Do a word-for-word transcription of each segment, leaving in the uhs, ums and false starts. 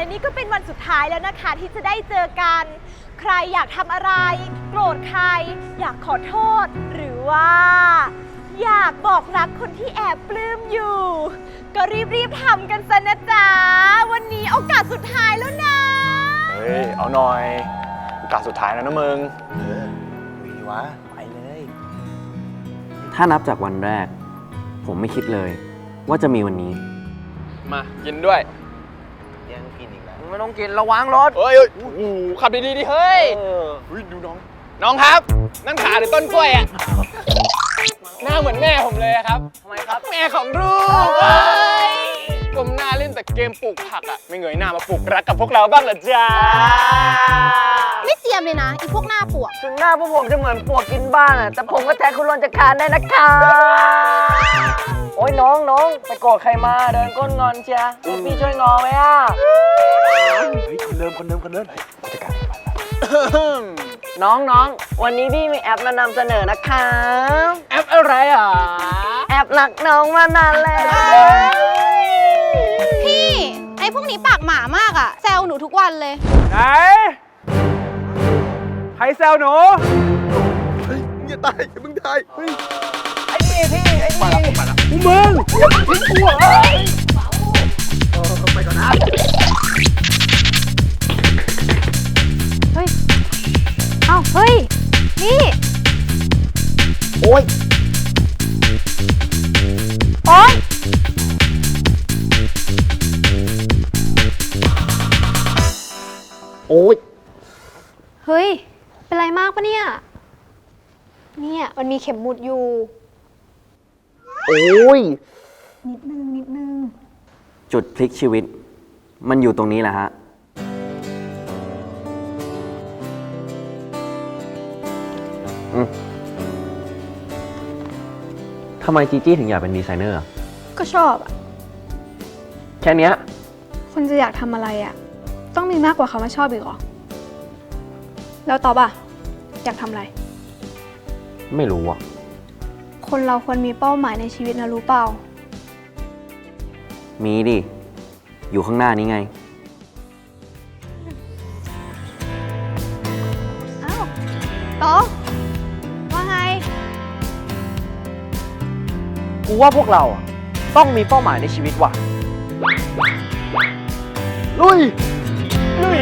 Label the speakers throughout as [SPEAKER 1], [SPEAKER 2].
[SPEAKER 1] และนี่ก็เป็นวันสุดท้ายแล้วนะคะที่จะได้เจอกันใครอยากทำอะไรโกรธใครอยากขอโทษหรือว่าอยากบอกรักคนที่แอบปลื้มอยู่ก็รีบๆทำกันซะนะจ๊ะวันนี้โอกาสสุดท้ายแล้วนะ
[SPEAKER 2] เฮ้ยเอาหน่อยโอกาสสุดท้ายแล้วนะมึง
[SPEAKER 3] เออคุยดีวะไปเลย
[SPEAKER 4] ถ้านับจากวันแรกผมไม่คิดเลยว่าจะมีวันนี้
[SPEAKER 2] มากินด้วย
[SPEAKER 3] ยังกินอีกแล้ว
[SPEAKER 4] ไม่ต้องกินระวังรถ
[SPEAKER 2] เฮ้ยโอ้โหขับดีๆดิเฮ้ยเฮ้ยดูน้องน้องครับนั่นขาหรือต้นกล้วยอ่ะหน้าเหมือนแม่ผมเลยครับ
[SPEAKER 4] ทำไมครับ
[SPEAKER 2] แม่ของลูกก้มหน้าเล่นแต่เกมปลูกผักอ่ะไม่เงยหน้ามาปลูกรักกับพวกเราบ้างเหรอจ๊ะ
[SPEAKER 1] ไม่เจียมเลยนะอีพวกหน้าปวก
[SPEAKER 4] ถึงหน้าพวกผมจะเหมือนปวกกินบ้างอะแต่ผมก็แทนคุณรอนจากคานได้นะคะโอ้ยน้องน้องไปโกรธใครมาเดินก้นงอนเชียพี่ช่วยงอไหมอ่ะ
[SPEAKER 3] เฮ้ยคนเดิมคนเดิมคนเดิมผู้จัดการ
[SPEAKER 4] น้องน้องวันนี้พี่มีแอปมานำเสนอนะคะ
[SPEAKER 2] แอปอะไรอ่ะ
[SPEAKER 4] แอปรักน้องมานานแล้ว
[SPEAKER 1] พี่ไอ้พวกนี้ปากหมามากอ่ะแซวหนูทุกวันเลย
[SPEAKER 2] ไหนใครแซวหนู
[SPEAKER 3] เฮ้ยมึงอย่าตายอย่ามึงตายเฮ้ย
[SPEAKER 4] ไอ้นี่พี่ไอ้นี่
[SPEAKER 3] มาแล้วมาแล้ว
[SPEAKER 2] มึงมึงอย่าทิ้งกูเฮ้ย
[SPEAKER 3] เออไปก่อนนะ
[SPEAKER 1] เฮ้ยเอ้าเฮ้ยนี่
[SPEAKER 3] โอ้ย
[SPEAKER 1] โอ๊ย
[SPEAKER 3] โอ้ย
[SPEAKER 1] เฮ้ยเป็นไรมากปะเนี่ยเนี่ยมันมีเข็มหมุดอยู่
[SPEAKER 3] โอ้ย
[SPEAKER 1] นิดนึงนิดนึง
[SPEAKER 4] จุดพลิกชีวิตมันอยู่ตรงนี้แหละฮะทำไมจีจี้ถึงอยากเป็นดีไซเนอร์
[SPEAKER 1] ก็ชอบอะ
[SPEAKER 4] แค่นี้
[SPEAKER 1] คนจะอยากทำอะไรอะต้องมีมากกว่าคำว่าชอบอีกเหรอแล้วตอบอะอยากทำอะไร
[SPEAKER 4] ไม่รู้อ่ะ
[SPEAKER 1] คนเราควรมีเป้าหมายในชีวิตนะรู้เปล่า
[SPEAKER 4] มีดิอยู่ข้างหน้านี้ไง
[SPEAKER 1] อ้าวตอว่าไง
[SPEAKER 4] กูว่าพวกเราต้องมีเป้าหมายในชีวิตว่ะ
[SPEAKER 3] ลุย
[SPEAKER 4] ลุย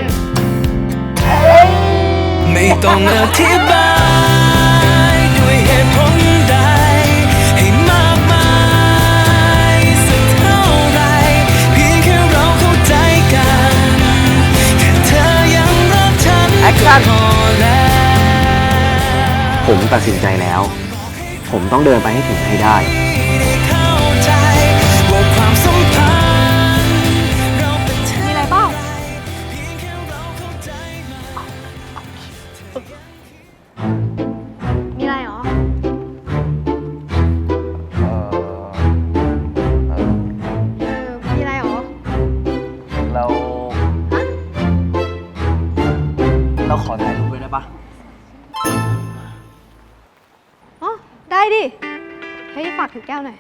[SPEAKER 5] ไม่ต้องอธิบายด้วยเหตุผลใดให้มากมายสักเท่าไรเพียงแค่เราเข้าใจกันแค่เธอยังรักฉันก็พอแล้ว
[SPEAKER 4] ผมตัดสินใจแล้วผมต้องเดินไปให้ถึงให้ได้
[SPEAKER 1] มีอะไรเปล่ามีอะไรหรอเออมีอะไรหรอ
[SPEAKER 4] เราเราขอถ่ายรูปด้วยได้ปะ
[SPEAKER 1] อ๋อได้ดิเฮ้ยฝากถือแก้วหน่อย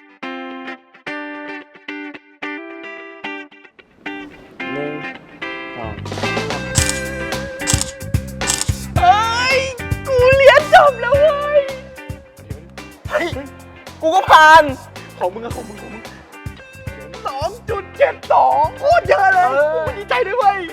[SPEAKER 4] หนึ่งสอง
[SPEAKER 2] เฮ้ยกูเรียนจบแล้วเว้ยเฮ้ยกูก็ผ่านของมึงอะของมึงของมึงสองจุดเจ็ดสองโคตรเยอะเลยกูดีใจด้วยเว้ย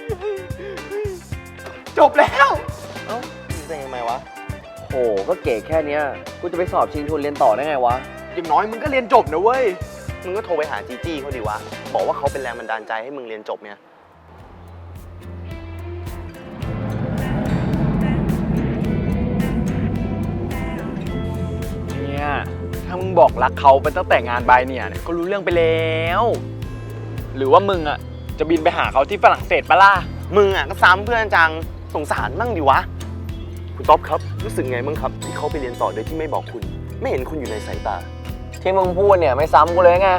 [SPEAKER 2] จบแล้ว
[SPEAKER 3] เอ้าเป็นยังไงวะ
[SPEAKER 4] โหก็เก๋แค่เนี้ยกูจะไปสอบชิงทุนเรียนต่อได้ไงวะ
[SPEAKER 2] อย่างน้อยมึงก็เรียนจบนะเว้ย
[SPEAKER 3] มึงก็โทรไปหาจีจี้เขาดิวะบอกว่าเขาเป็นแรงบันดาลใจให้มึงเรียนจบเนี่ย
[SPEAKER 2] เนี่ยถ้ามึงบอกรักเขาไปตั้งแต่งานบายเนี่ยก็รู้เรื่องไปแล้วหรือว่ามึงอ่ะจะบินไปหาเขาที่ฝรั่งเศสปะล่ะ
[SPEAKER 3] มึงอ่ะก็ซ้ำเพื่อนจังสงสารมั่งดิวะคุณต๊อบครับรู้สึกไงบ้างครับที่เขาไปเรียนต่อโดยที่ไม่บอกคุณไม่เห็นคุณอยู่ในสายตา
[SPEAKER 4] ที่มึงพูดเนี่ยไม่ซ้ำกูเลยไง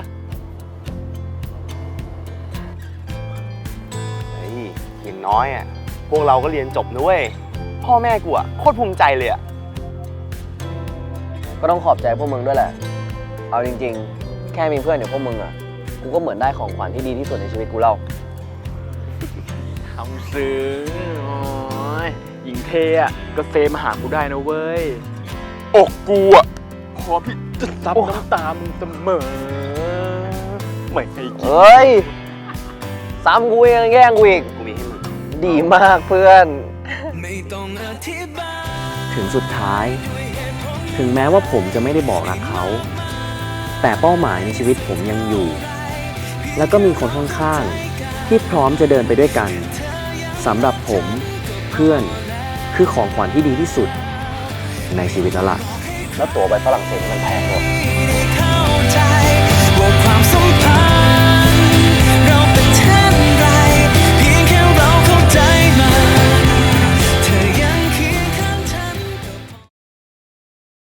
[SPEAKER 3] เฮ้ยอย่างน้อยอ่ะพวกเราก็เรียนจบนะเว้ยพ่อแม่กูอ่ะโคตรภูมิใจเลยอ่ะ
[SPEAKER 4] ก็ต้องขอบใจพวกมึงด้วยแหละเอาจริงๆแค่มีเพื่อนอย่างพวกมึงอ่ะกูก็เหมือนได้ของขวัญที่ดีที่สุดในชีวิตกูแล้ว
[SPEAKER 2] ทำซึ้งโอ้ยหญิงเทอะก็เซมาหากูได้นะเว้ยอกกูอะพอพี่จะซับน้ำตามึงเสมอไม่ให้กิน
[SPEAKER 4] เฮ้ย ซ้ำกูยังแย่งกูอีก
[SPEAKER 3] กูมีให้มึง
[SPEAKER 4] ดีมากเพื่อน
[SPEAKER 5] ไม่ต้องอธิบาย
[SPEAKER 6] ถึงสุดท้าย ถึงแม้ว่าผมจะไม่ได้บอกรักเขา แต่เป้าหมายในชีวิตผมยังอยู่ แล้วก็มีคนข้างๆที่พร้อมจะเดินไปด้วยกันสำหรับผมเพื่อนคือของขวัญที่ดีที่สุดในชีวิตแล้วล่ะ
[SPEAKER 3] แล้วตั๋วไปฝรั่งเศสมันแพงกว่า